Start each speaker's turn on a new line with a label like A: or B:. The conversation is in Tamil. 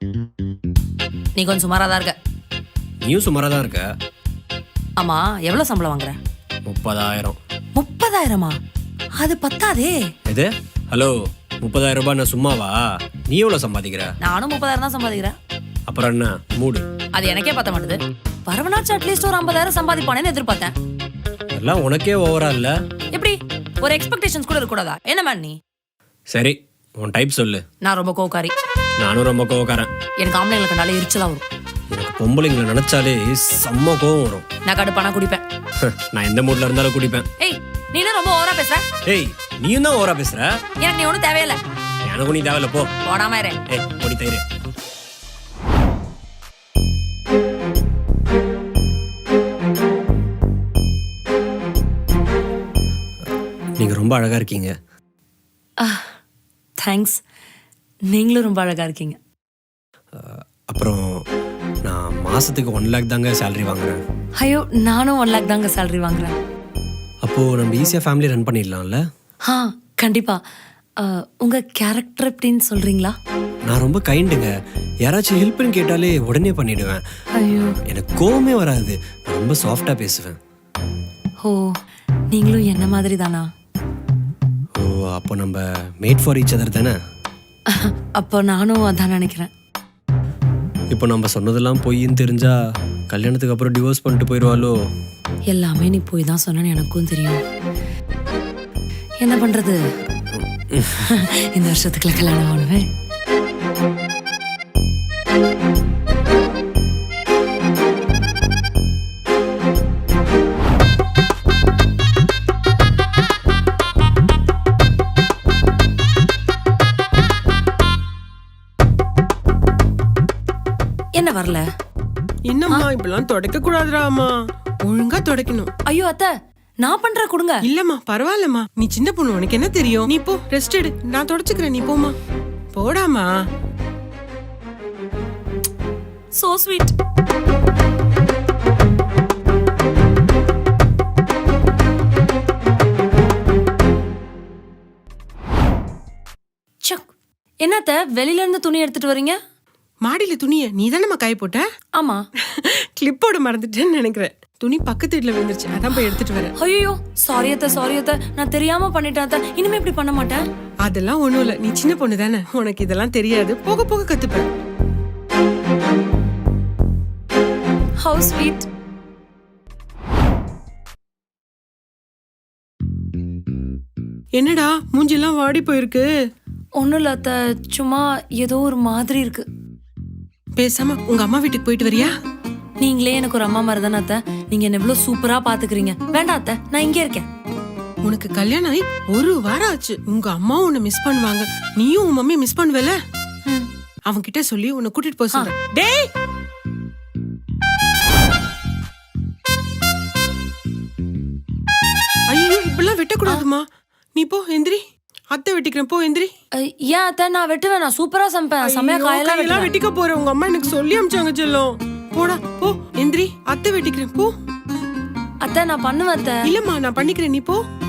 A: நீ கொஞ்சம் சுமாரா தான் இருக்க.
B: நீயும் சுமாராக தான் இருக்க.
A: ஆமா, எவ்வளவு சம்பளம் வாங்குற?
B: 30,000.
A: 30,000-மா? அது பத்தாதே.
B: எது? ஹலோ, 30,000 ரூபாய் நான் சும்மாவா? நீ எவ்வளோ சம்பாதிக்கிற?
A: நானும் 30,000 தான் சம்பாதிக்கிறேன்.
B: அப்புறம் என்ன மூடு?
A: அது எனக்கே பத்த மாட்டுது. வரவனாச்சும் அட்லீஸ்ட் ஒரு 50,000 சம்பாதிப்பானேன்னு எதிர்பார்த்தேன்.
B: எல்லாம் உனக்கே ஓவரா இல்ல?
A: எப்படி ஒரு எக்ஸ்பெக்டேஷன்ஸ் கூட இருக்கக்கூடாதா? என்ன மேன் நீ?
B: சரி, உன் டைப் சொல்லு.
A: நான் ரொம்ப கோவக்காரி.
B: நானும் ரொம்ப கோவக்காரன்.
A: எனக்கு ஆம்பளைங்களை கண்டாலே எரிச்சலா வரும்.
B: எனக்கு பொம்பளைங்களை நினைச்சாலே செம்ம கோவம் வரும்.
A: நான் கடுப்பானா குடிப்பேன்.
B: நான் எந்த மூட்ல இருந்தாலும் குடிப்பேன்.
A: ஏய், நீ என்ன ரொம்ப ஓவரா பேசுற?
B: ஏய், நீயும் தான் ஓவரா பேசுற.
A: எனக்கு நீ ஒன்றும் தேவையில்லை.
B: எனக்கும் நீ தேவையில்ல, போ.
A: போடாம இரு.
B: ஏய், பொடி தயிரு. நீங்க ரொம்ப அழகா இருக்கீங்க.
A: தேங்க்ஸ். நீங்களும் ரொம்ப அழகா இருக்கீங்க.
B: அப்புறம் நான் மாசத்துக்கு 1 lakh தாங்க சேலரி வாங்குறேன்.
A: ஐயோ, நானும் 1 lakh தாங்க சேலரி வாங்குறேன்.
B: அப்போ நம்ம ஈஸியா ஃபேமிலி ரன் பண்ணிடலாம்ல?
A: கண்டிப்பா. உங்க கேரக்டர் எப்படின்னு சொல்றீங்களா?
B: நான் ரொம்ப கைண்டுங்க. யாராச்சும் ஹெல்ப்னு கேட்டாலே உடனே பண்ணிடுவேன்.
A: ஐயோ,
B: எனக்கு கோவமே வராது. நான் ரொம்ப சாஃப்டா பேசுவேன்.
A: ஓ, நீங்களும் என்ன மாதிரி தானா?
B: ஓ, அப்போ நம்ம மேட் ஃபார் ஈச் அதர் தானே?
A: அப்போ நானும் அதான் நினைக்கிறேன்.
B: இப்போ நம்ம சொன்னதெல்லாம் பொய்ன்னு தெரிஞ்சா கல்யாணத்துக்கு அப்புறம் டிவோர்ஸ் பண்ணிட்டு போயிடுவாளோ?
A: எல்லாமே நீ போய் தான் சொன்னு எனக்கும் தெரியும். என்ன பண்றது? இந்த வருஷத்துக்குள்ள கல்யாணம் பண்ணுவேன். என்ன வரல?
C: என்னம்மா இப்பெல்லாம் தொடக்க கூடாதுராமா, ஒழுங்கா தொடக்கணும்.
A: ஐயோ அத்தை, நான் பண்ற கொடுங்க.
C: இல்லம்மா பரவாயில்லம்மா, நீ சின்ன பொண்ணு, உனக்கு என்ன தெரியும்? நீ போ, ரெஸ்ட் எடு, நான் தொடச்சுக்கிறேன், நீ போமா. போடாமா.
A: So sweet. என்னத்த வெளியில இருந்து துணி எடுத்துட்டு வரீங்க?
C: மாடியில துணிய நீ தானம்மா காய போட்ட?
A: ஆமா.
C: கிளிப்போட மறந்துட்டேன்னு நினைக்கிறேன். துணி பக்கத்து வீட்டுல விழுந்துருச்சு, அதான் போய் எடுத்துட்டு வரேன்.
A: ஐயோ, சாரி அத்தை, நான் தெரியாம பண்ணிட்டேன் அத்தை. இனிமே இப்படி பண்ண மாட்டேன்.
C: அதெல்லாம் ஒண்ணும் இல்ல, நீ சின்ன பொண்ணு தானே, உனக்கு இதெல்லாம் தெரியாது. போக போக கத்துப்ப.
A: How sweet.
C: என்னடா மூஞ்சிலாம் வாடி போயிருக்கு?
A: ஒண்ணும் இல்ல அத்தை, சும்மா ஏதோ ஒரு மாதிரி இருக்கு.
C: பேசாம உங்க அம்மா வீட்டுக்கு போயிட்டு வரியா?
A: நீங்களே எனக்கு ஒரு அம்மா மாதிரி தானே அத்தை. நீங்க என்ன எவ்வளவு சூப்பரா பாத்துக்கிறீங்க. வேண்டாம் அத்தை, நான் இங்கே இருக்கேன்.
C: உனக்கு கல்யாணம் ஆகி 1 வாரம் ஆச்சு. உங்க அம்மாவும் உன்னை மிஸ் பண்ணுவாங்க, நீயும் உன் மம்மி மிஸ் பண்ணுவல. அவங்க கிட்ட சொல்லி உன்னை கூட்டிட்டு போக சொல்றேன். டேய், ஐயோ இப்பெல்லாம் வெட்டக்கூடாதுமா. நீ போ, எந்திரி. அத்தை வெட்டிக்கிறேன், போ எந்திரி.
A: ஏன் அத்தை, நான் வெட்டுவேன். நான் சூப்பரா சமைப்பேன். சமைய காயெல்லாம்
C: வெட்டிக்க போறேன். உங்க அம்மா எனக்கு சொல்லி அமிச்சாங்க செல்லம். போடா போ, எந்திரி. அத்தை வெட்டிக்கிறேன், போ.
A: அத்தை நான் பண்ணுவேன் அத்தை.
C: இல்லம்மா நான் பண்ணிக்கிறேன், நீ போ.